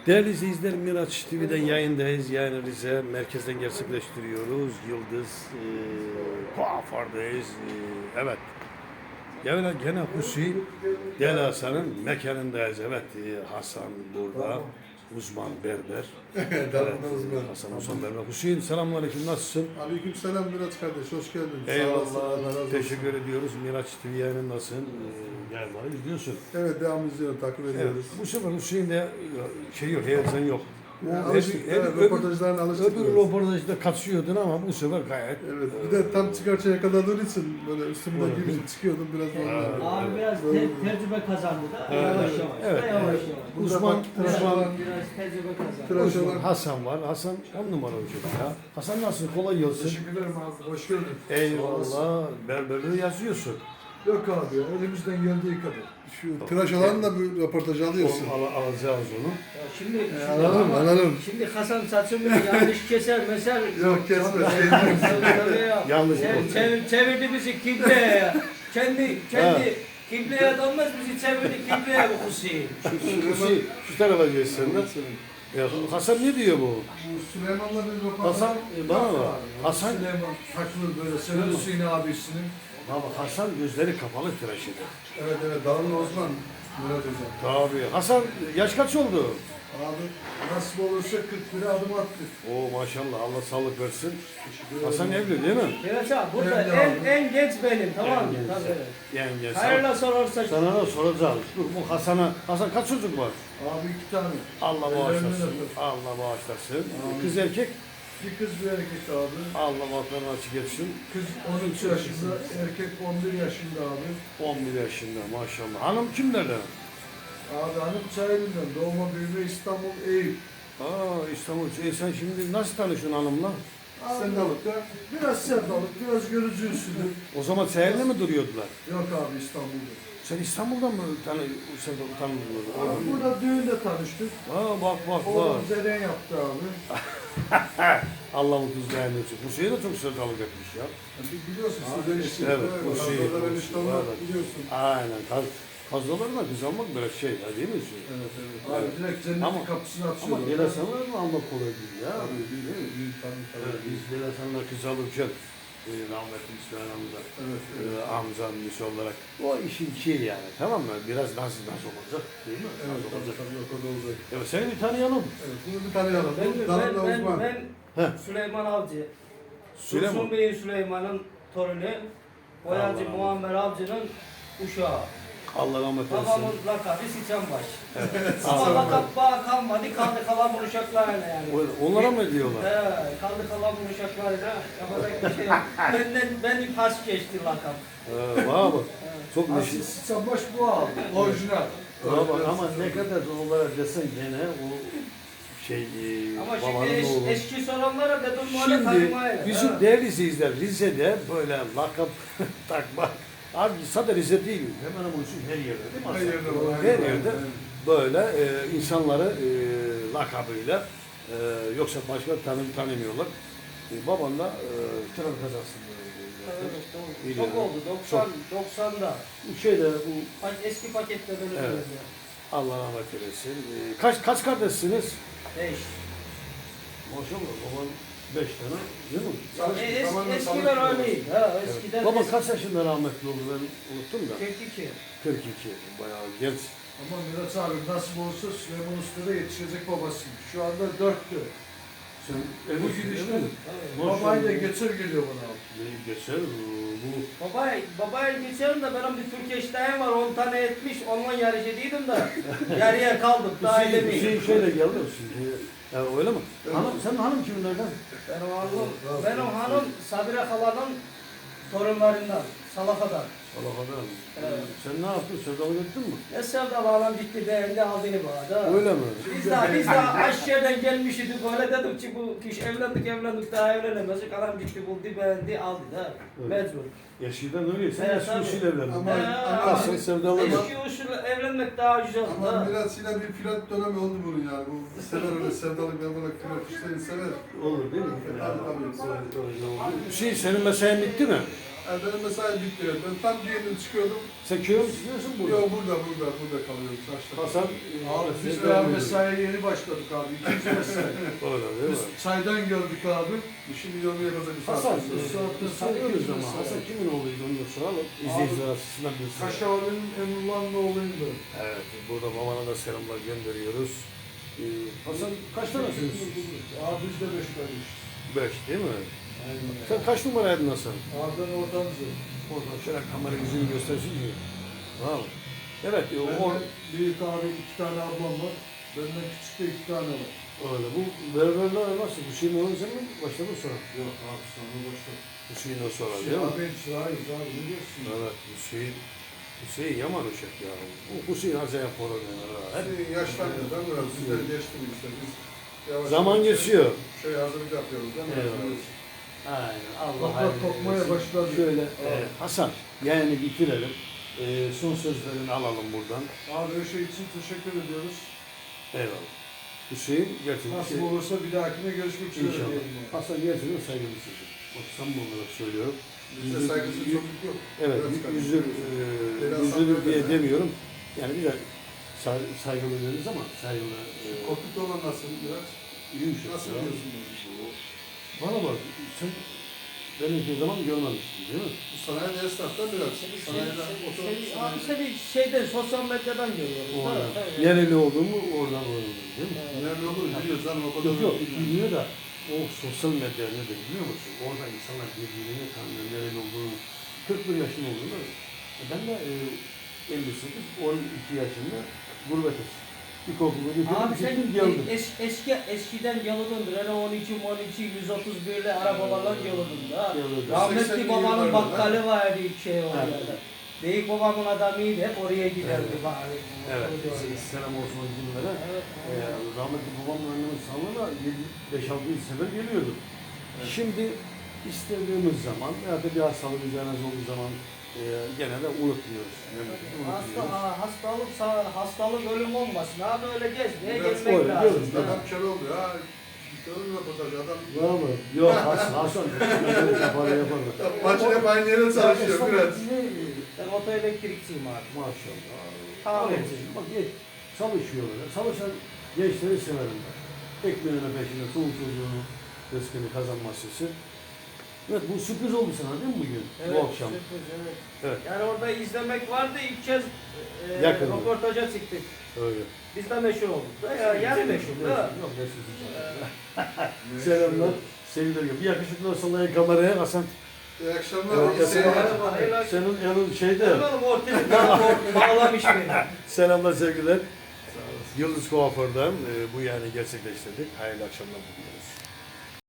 Değerli izleyiciler, Miraç TV'den yayındayız. Yayını Rize merkezden gerçekleştiriyoruz. Yıldız kuafördayız. Evet. Gene Hüseyin Deli Hasan'ın mekanındayız. Evet, Hasan burada. Uzman berber. Evet, Hasan berber. Hüseyin, selamünaleyküm, nasılsın? Aleykümselam Miraç kardeş, hoş geldin. Eyvallah, teşekkür ediyoruz. Miraç TV yayını nasılsın? Yayınları izliyorsun. Evet, devam izliyorum, takip ediyoruz. Evet, bu sefer Hüseyin'de şey yok, heyecan yok. Röportajlarına alıştık. Öbür röportajda kaçıyordun ama bu sefer gayet. Evet, bir de tam çıkarçaya yakaladığın için böyle üstümden gibi çıkıyordum biraz normal. Abi biraz tecrübe kazandı da yavaş yavaş. Evet. Yavaş yavaş. Uzman Biraz tecrübe kazandı. Hasan var. Hasan 10 numaralı çocuk ya. Hasan nasıl? Kolay gelsin. Teşekkür ederim abi, hoş geldin. Eyvallah. Berberliği yazıyorsun. Yok abi ya, elimizden geldiği kadar. Şu tıraş alanı da bir röportaj alıyorsun. Alacağız onu. Ya şimdi Alalım. Şimdi Hasan saçımı yanlış keser mesela. Yok kesme. Tabii ya. Yanlış Çevirdi bizi kibleye ya. Kendi kibleye dönmez bizi çevirdi kibleye bu Hüseyin. Şu tarafa geçsen de. Ya Hasan ne diyor bu? Süleyman'la bir röportaj. Hasan bana bak. Hasan Süleyman takılır böyle, senin Hüseyin abisinin. baba Hasan gözleri kapalı tıraş eder. Evet, Dağlı Osman Murat Hocam. Tabii. Hasan yaş kaç oldu? Abi nasip olursa 41'e adım attık. Oo maşallah, Allah sağlık versin. Hasan evli değil mi? Evet abi burada en genç benim, tamam mı? Tabii. Yani Hayırla sorarsa sana da soracağız. Dur bu Hasan kaç çocuk var? Abi 2 tane. Allah Ellerinden bağışlasın. öper. Allah bağışlasın. Kız erkek. Bir kız bir erkek abi. Allah bahtlarını açık etsin. Kız 13 yaşında, erkek 11 yaşında abi. 11 yaşında maşallah. Hanım kimlerden? Abi hanım Çayeli'nden, doğma büyüme İstanbul Eyüp. İstanbul. Sen şimdi nasıl tanıştın hanımla? Sevdalıkta biraz sevdalık, biraz görücü usulü. O zaman seninle mi duruyordular? Yok abi İstanbul'da. Sen İstanbul'dan mı tanıdın? Abi burada düğünde tanıştık. Bak. Oğlum zeren yaptı abi. Allah mutlu etsin. Bu şeyi de çok sevdalık etmiş ya. Biliyorsun Abi sizden işte işte. Evet, bu şey. Kazanlar eniştemler Evet. biliyorsun. Aynen. Kazılarına kız almak böyle şey ya, değil mi? Evet. Abi direkt cennetin Ama- kapısını Ama açıyorlar. Delasanlar mı almak kolay değil ya? Tabii değil. Evet, biz Delasanlar kız alırken rahmetli İsmail amca, amcam lise olarak o işin şeyi yani, tamam mı? Biraz nasıl olacak değil mi? Evet, Nasıl olacak? tabii o kadar olacak. Evet, seni bir tanıyalım. Evet, bunu bir tanıyalım. Dağlı Osman. ben Süleyman Avcı. Süleyman. Dursun Bey'in Süleyman'ın torunu. Boyacı Allah. Muammer Avcı'nın uşağı. Allah rahmet eylesin. Babamın lakabı Siçenbaş. Ama lakap bağ kalmadı, kaldı kalan bu uşaklarla yani. Onlara mı diyorlar? Kaldı kalan bu uşaklarla yapacak bir şey yok. Benim pas geçti lakap. Vay bak. Çok neşe. Asil Sıçanbaş bu abi. Orijinal. Bak ama ne kadar olarak desen gene o şey Ama babanın şimdi oğlu. eski soranlara dedim böyle Şimdi tanımayla. bizim değerli izleyiciler Rize'de böyle lakap takmak. Abi sadece Rize değil, hemen bunun için her yerde değil mi? Her yerde var. Her yerde böyle insanları lakabıyla yoksa başka tanımıyorlar. Babanla tren kazasında Evet, çok oldu. 90'da. bu şeyde bu Eski pakette böyle Evet. evet. Allah rahmet eylesin. Kaç kardeşsiniz? 5. Maşallah baban 5 tane değil mi? Eskiler öyleydi. Eskiden Baba kaç yaşında rahmetli oldu ben unuttum da. 42. 42. Bayağı genç. Ama Miraç abi nasip olursa Süleyman Usta'da yetişecek babasıymış. Şu anda 4'tü. Sen Bu gidişle Maşallah. babayı da geçer geliyor bana abi. Geçer bu. Babaya geçerim de benim bir Türk eşdeğim var 10 tane etmiş onunla yarış ediydim de yarıya kaldım daha edemeyim. Şöyle geldi şimdi. Ya öyle mi? Senin hanım kiminlerden? Benim hanım Sabire Hala'nın torunlarından, Salafa'dan. Salakadan. Evet. Sen ne yaptın? Sevdalı ettin mi? Ne sevdalı adam gitti beğendi aldığını bana. Öyle mi? Biz de aşağıdan gelmişiz böyle dedik ki bu kişi evlendik daha evlenemezdik adam gitti buldu beğendi aldı da mecbur. Yaşından öyle. Sen Evet, eski tabii. usul evlendin. Ama Nasıl sevdalı mı? Eski usul evlenmek daha güzel oldu. Ama ha. biraz yine bir pilot dönemi oldu bunun yani. Bu sever öyle sevdalık yapmak pilot işlerini sever. Olur değil mi? Tabii. Senin mesleğin bitti mi? Benim mesai bitti. Ben tam diyelim çıkıyordum. Sen köye mi çıkıyorsun burada? Yok burada kalıyorum. Saçta. Hasan, Abi biz daha mesaiye yeni başladık abi. İkinci mesai. Orada değil Biz mi? çaydan gördük abi. Şimdi yormaya kadar bir saat. Hasan, sonra. saatten tanıyoruz ama mesela. Hasan kimin oğluydu onu da soralım. İzleyiciler açısından bir soru. Kaşağı'nın Emrullah'ın oğluyum ben. Evet, burada babana da selamlar gönderiyoruz. Hasan kaç tanesiniz? Abi biz de beş kardeş. 5 değil mi? Aynen. Sen kaç numaraydın Hasan? Abi ben oradanızım. Oradan şöyle kamera yüzünü göstersin ki. Tamam mı? Evet, o Benden büyük abi 2 tane ablam var. Benden küçük de 2 tane var. öyle. Bu berberler nasıl? Bu şeyin oğlu sen mi başladın sonra? Yok abi sonra başladık. Bu şeyin o sonra Şey değil mi? abi çırağıyız abi ne diyorsun? Evet, Hüseyin yaman uşak ya. Bu Hüseyin acayip horor yani. Hep Hep yaşlandı. Ben biraz sizleri geçtim işte. Biz yavaş zaman yavaş geçiyor. Şey hazırlık yapıyoruz değil mi? Evet. Aynen. Allah Toprak hayırlı kokmaya eylesin. başladı. Şöyle Evet. Hasan yani bitirelim. Son sözlerini alalım buradan. Abi her şey için teşekkür ediyoruz. Eyvallah. Hüseyin gerçekten Nasıl olursa bir dahakine görüşmek üzere İnşallah. diyelim. abi. Hasan gerçekten saygılı çocuk. Bak samimi olarak söylüyorum. Bizde saygısız çocuk yok. Evet, Biraz yüzür, Biraz yüzülür saygılı diye da. demiyorum. Yani bir de saygılı deriz ama saygılı Kokut olan nasıl biraz? yumuşak. Nasıl ya. diyorsun bunu? Bana bak, sen beni hiçbir zaman görmemişsin değil mi? Bu sanayi esnaftan biraz. Sanayiden Abi seni şeyden sosyal medyadan görüyoruz. Oradan. Evet. Nereli olduğumu oradan öğrendim değil mi? nerede olur biliyoruz canım o kadar. Yok, bilmiyor da o sosyal medya nedir biliyor musun? Orada insanlar birbirini tanıyor, nereli olduğunu. 41 yaşında olduğunu. Ben de 58, 12 yaşında gurbetiz. İlkokulu Abi sen bitirdim, geldim. eskiden yoludundur. Hani 12, 131'le arabalarla yoludun da. Geldim. Rahmetli 80'li babanın yıllarda. bakkalı vardı şey Evet. orada. Büyük babamın adamıydı hep oraya giderdi. Evet. bari. Evet, Orada. selam olsun o günlere. Evet. Rahmetli babamın annemin sağlığına 5-6 sefer geliyordum. Şimdi istediğimiz zaman ya da bir hastalık üzerine olduğu zaman gene de unutmuyoruz. Hastalık ölüm olmasın. Abi öyle gezmeye Biraz gelmek öyle, lazım. diyoruz. Adam kör oldu ya. Görün röportajı adam. Var mı? Yok Hasan. Yapar yapar. Maçın hep aynı yere çalışıyor biraz. Ben otoelektrikçiyim abi. Maşallah. Tamam. Bak çalışıyorlar. Çalışan gençleri severim ben. Ekmeğine peşinde çoluk çocuğunu rızkını kazanması için. Evet bu sürpriz oldu sana değil mi bugün? Evet, Bu akşam. sürpriz, evet. Evet. Yani orada izlemek vardı. İlk kez Yakın. röportaja çıktık. Öyle. Biz de meşhur olduk. Yani meşhur. Da. Yok meşhur. Selamlar. Sevgiler. Bir yakışıklı sallayın kameraya Hasan. İyi akşamlar. Evet, iyi seyirler. Senin elin şeyde. Hemen ortaya bağlamış beni. Selamlar sevgiler. Yıldız Kuaför'den bu yani gerçekleştirdik. Hayırlı akşamlar diliyoruz.